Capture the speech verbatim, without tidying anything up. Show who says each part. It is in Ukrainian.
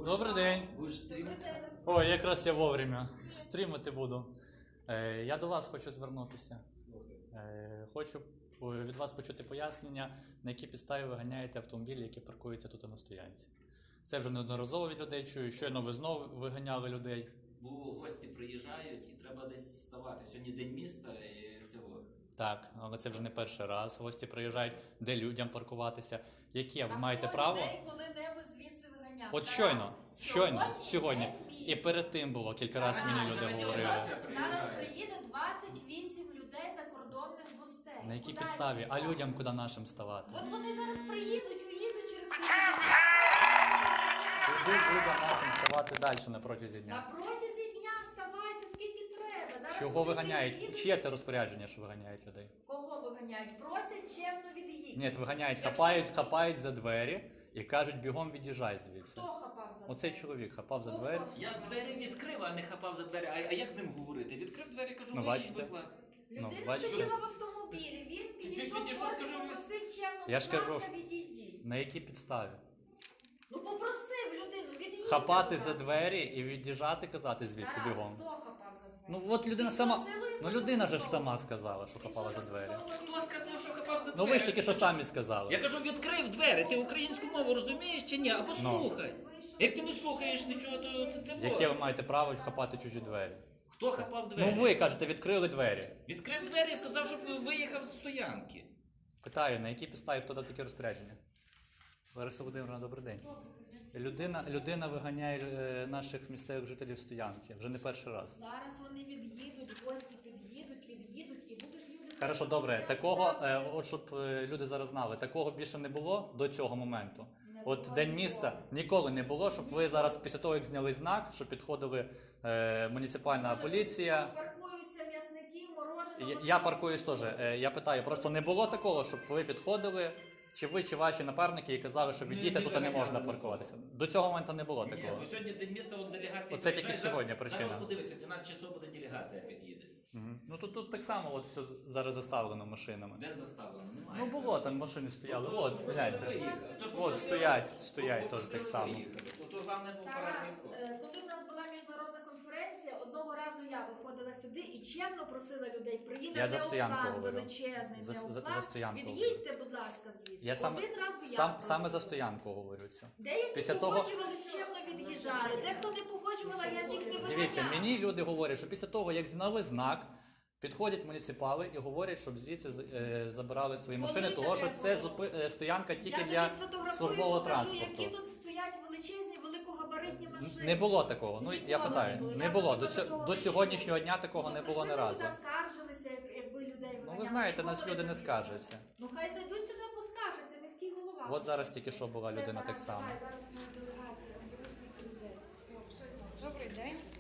Speaker 1: Добрий день.
Speaker 2: Будеш стрімити?
Speaker 1: Ой, якраз я вовремя. Стрімити буду. Е, я до вас хочу звернутися. Е, хочу від вас почути пояснення, на які підставі ви ганяєте автомобілі, які паркуються тут на стоянці. Це вже неодноразово від людей чую, щойно ви знову виганяли людей.
Speaker 2: Бо гості приїжджають і треба десь ставати. Сьогодні день міста і цього.
Speaker 1: Так, але це вже не перший раз. Гості приїжджають, де людям паркуватися. Яке ви
Speaker 3: А
Speaker 1: маєте
Speaker 3: хто
Speaker 1: право?
Speaker 3: людей коли-небудь звідси виганяв?
Speaker 1: От
Speaker 3: Зараз.
Speaker 1: щойно, щойно,
Speaker 3: Сьогодні
Speaker 1: сьогодні.
Speaker 3: день
Speaker 1: І
Speaker 3: міста.
Speaker 1: перед тим було, кілька разів мені люди
Speaker 2: Зараз
Speaker 1: говорили.
Speaker 2: делегація
Speaker 3: Зараз
Speaker 2: приїжджає.
Speaker 3: приїде двадцять вісім людей закордонних гостей.
Speaker 1: На якій
Speaker 3: Куди
Speaker 1: підставі?
Speaker 3: їм
Speaker 1: А
Speaker 3: ставити?
Speaker 1: людям куди нашим ставати?
Speaker 3: От вони зараз приїдуть, уїдуть через
Speaker 1: Куди людям нашим ставати далі на протязі
Speaker 3: На
Speaker 1: дня?
Speaker 3: протязі дня ставайте скільки треба. Зараз
Speaker 1: Чого
Speaker 3: люди
Speaker 1: виганяють?
Speaker 3: приїдуть.
Speaker 1: Чиє це розпорядження, що виганяють людей?
Speaker 3: Кого виганяють? Просять чемно від'їдь.
Speaker 1: Ні, виганяють,
Speaker 3: Якщо-
Speaker 1: хапають, хапають за двері і кажуть, бігом від'їжджай звідси.
Speaker 3: Хто хапав за
Speaker 1: Оцей
Speaker 3: двері?
Speaker 1: чоловік хапав за
Speaker 3: Кого?
Speaker 1: двері.
Speaker 2: Я двері відкрив, а не хапав за двері. А, а як з ним говорити? Відкрив двері, кажу,
Speaker 1: Ну,
Speaker 2: виїдь,
Speaker 1: бачите.
Speaker 2: будь ласка.
Speaker 3: Людина
Speaker 1: Ну, бачите?
Speaker 3: сиділа в автомобілі, він підійшов,
Speaker 2: підійшов,
Speaker 3: просто
Speaker 2: скажу,
Speaker 3: попросив чемно,
Speaker 1: Я ж
Speaker 3: будь
Speaker 1: кажу,
Speaker 3: ласка,
Speaker 1: що-
Speaker 3: відійдіть.
Speaker 1: На якій підставі?
Speaker 3: Ну попросив людину, від'їдь.
Speaker 1: Хапати за двері і від'їжджати, казати звідси
Speaker 3: Тарас,
Speaker 1: бігом.
Speaker 3: хто хапав за двері?
Speaker 1: Ну от людина
Speaker 3: Він
Speaker 1: сама.
Speaker 3: посилою
Speaker 1: Ну людина же ж
Speaker 3: застосовував.
Speaker 1: сама сказала, що
Speaker 3: Він
Speaker 1: хапала
Speaker 3: що,
Speaker 1: за двері.
Speaker 3: застосовував?
Speaker 2: Хто сказав, що хапав за двері?
Speaker 1: Ну ви ж тільки що самі сказали.
Speaker 2: Я кажу, відкрив двері. Ти українську мову розумієш чи ні? А послухай. Як ти не слухаєш нічого, то це це
Speaker 1: Яке ви маєте право хапати чужі двері?
Speaker 2: Хто хапав двері?
Speaker 1: Ну ви кажете, відкрили двері.
Speaker 2: Відкрив двері і сказав, щоб виїхав з стоянки.
Speaker 1: Питаю, на якій підставі хто дав таке розпорядження? Лариса Володимирівна, добрий день. Людина, людина виганяє е, наших місцевих жителів з стоянки. Вже не перший раз.
Speaker 3: Зараз вони від'їдуть, гості під'їдуть, від'їдуть і будуть люди.
Speaker 1: Хорошо, добре. Такого, е, от щоб е, люди зараз знали, такого більше не було до цього моменту.
Speaker 3: Не
Speaker 1: От
Speaker 3: було
Speaker 1: День
Speaker 3: ніколи.
Speaker 1: міста ніколи не було, щоб ви зараз після того, як зняли знак, що підходили е, муніципальна
Speaker 3: Може,
Speaker 1: поліція.
Speaker 3: Паркуються м'ясники, мороженого.
Speaker 1: Я, я паркуюсь теж. Е, я питаю, просто не було такого, щоб ви підходили, чи ви, чи ваші напарники, і казали, що відійте,
Speaker 2: не
Speaker 1: тут не можна
Speaker 2: виганяли
Speaker 1: паркуватися. До цього моменту не було
Speaker 2: Ні,
Speaker 1: такого.
Speaker 2: бо сьогодні день міста, от делегація.
Speaker 1: Оце тільки
Speaker 2: приїжджає.
Speaker 1: сьогодні
Speaker 2: Зараз-
Speaker 1: причина.
Speaker 2: Зараз подивися, дванадцять часов буде делегація під'їде.
Speaker 1: Мгм. Ну тут, тут так само от все зараз заставлено машинами.
Speaker 2: Де заставлено? Немає.
Speaker 1: Ну було, там машини стояли.
Speaker 2: Ну,
Speaker 1: От,
Speaker 2: попросили
Speaker 1: гляньте.
Speaker 2: виїхати. Тож
Speaker 1: От
Speaker 2: попросили-
Speaker 1: стоять, стоять теж
Speaker 2: попросили
Speaker 1: так само.
Speaker 2: виїхати. То, то головне був
Speaker 3: Тарас,
Speaker 2: парадний вход.
Speaker 3: е, коли в нас була міжнародна конференція, одного разу я виходила сюди і чемно просила людей, приїде
Speaker 1: Я за стоянку
Speaker 3: неоплан
Speaker 1: говорю.
Speaker 3: величезний,
Speaker 1: За- за-
Speaker 3: неоплан,
Speaker 1: за стоянку
Speaker 3: від'їдьте, будь ласка, звідси.
Speaker 1: Я саме,
Speaker 3: Один раз я
Speaker 1: сам,
Speaker 3: просила.
Speaker 1: саме за стоянку говорю це.
Speaker 3: Деякі
Speaker 1: Після того-
Speaker 3: погоджувались, чемно від'їжджали, дехто не погоджувала, я ж їх не виганяла.
Speaker 1: Дивіться, мені люди говорять, що після того, як зняли знак, підходять муніципали і говорять, щоб звідси е, забирали свої
Speaker 3: Коли
Speaker 1: машини, тому що
Speaker 3: таке
Speaker 1: це
Speaker 3: було?
Speaker 1: зупи- е, стоянка тільки
Speaker 3: я
Speaker 1: для
Speaker 3: тобі сфотографую,
Speaker 1: службового
Speaker 3: покажу,
Speaker 1: транспорту.
Speaker 3: які тут стоять величезні, великогабаритні машини.
Speaker 1: Не було такого. Ну
Speaker 3: Ніколи
Speaker 1: я
Speaker 3: не
Speaker 1: питаю,
Speaker 3: було.
Speaker 1: не
Speaker 3: Я
Speaker 1: було.
Speaker 3: тобі
Speaker 1: До, цього-
Speaker 3: такого
Speaker 1: до
Speaker 3: не
Speaker 1: сьогоднішнього дня такого
Speaker 3: Ну,
Speaker 1: не було ні
Speaker 3: прийшли
Speaker 1: разу.
Speaker 3: сюди, скаржилися, як- якби людей
Speaker 1: Ну
Speaker 3: виганяли.
Speaker 1: ви знаєте,
Speaker 3: Чого
Speaker 1: нас
Speaker 3: вони
Speaker 1: люди не
Speaker 3: тоді
Speaker 1: скаржаться.
Speaker 3: Ну хай зайдуть сюди, поскаржаться, міський голова.
Speaker 1: От зараз тільки що була
Speaker 3: Все,
Speaker 1: людина так
Speaker 3: Тарас,
Speaker 1: само.
Speaker 3: давай, зараз у нас делегація, буде скільки людей.
Speaker 4: Добрий день.